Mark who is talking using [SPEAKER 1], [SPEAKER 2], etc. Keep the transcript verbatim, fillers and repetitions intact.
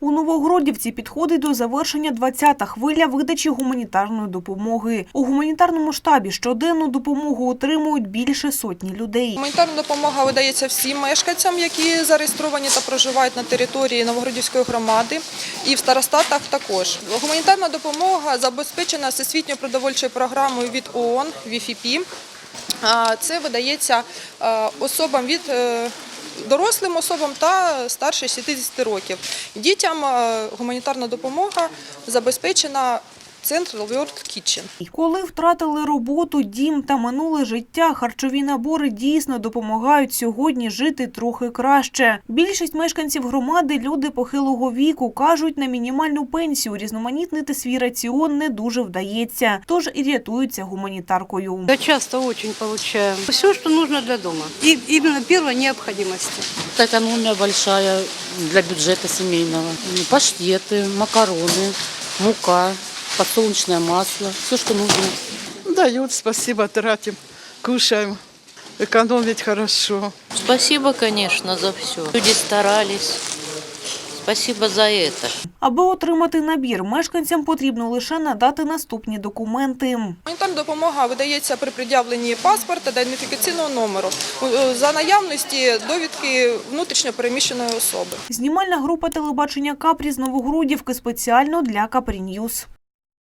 [SPEAKER 1] У Новогродівці підходить до завершення двадцята хвиля видачі гуманітарної допомоги. У гуманітарному штабі щоденну допомогу отримують більше сотні людей.
[SPEAKER 2] Гуманітарна допомога видається всім мешканцям, які зареєстровані та проживають на території Новогродівської громади, і в старостатах також. Гуманітарна допомога забезпечена всесвітньою продовольчою програмою від ООН, ві еф пі. Це видається особам від дорослим особам та старше шістдесяти років. Дітям гуманітарна допомога забезпечена Central World Kitchen.
[SPEAKER 1] Коли втратили роботу, дім та минуле життя, харчові набори дійсно допомагають сьогодні жити трохи краще. Більшість мешканців громади – люди похилого віку. Кажуть, на мінімальну пенсію різноманітнити свій раціон не дуже вдається. Тож і рятуються гуманітаркою.
[SPEAKER 3] Я часто очень получаю. Все, что нужно для дома. И именно первой необходимости.
[SPEAKER 4] Экономия большая для бюджета семейного. Паштеты, макароны, мука, подсолнечное масло, все, что нужно.
[SPEAKER 5] Дают, спасибо, тратим, кушаем. Экономить хорошо.
[SPEAKER 6] Спасибо, конечно, за все. Люди старались. Спасибо за это.
[SPEAKER 1] Аби отримати набір, мешканцям потрібно лише надати наступні документи.
[SPEAKER 2] Гуманітарна допомога видається при пред'явленні паспорта та ідентифікаційного номеру за наявності довідки внутрішньо переміщеної особи.
[SPEAKER 1] Знімальна група телебачення «Капрі» з Новогродівки спеціально для Капрі Ньюс.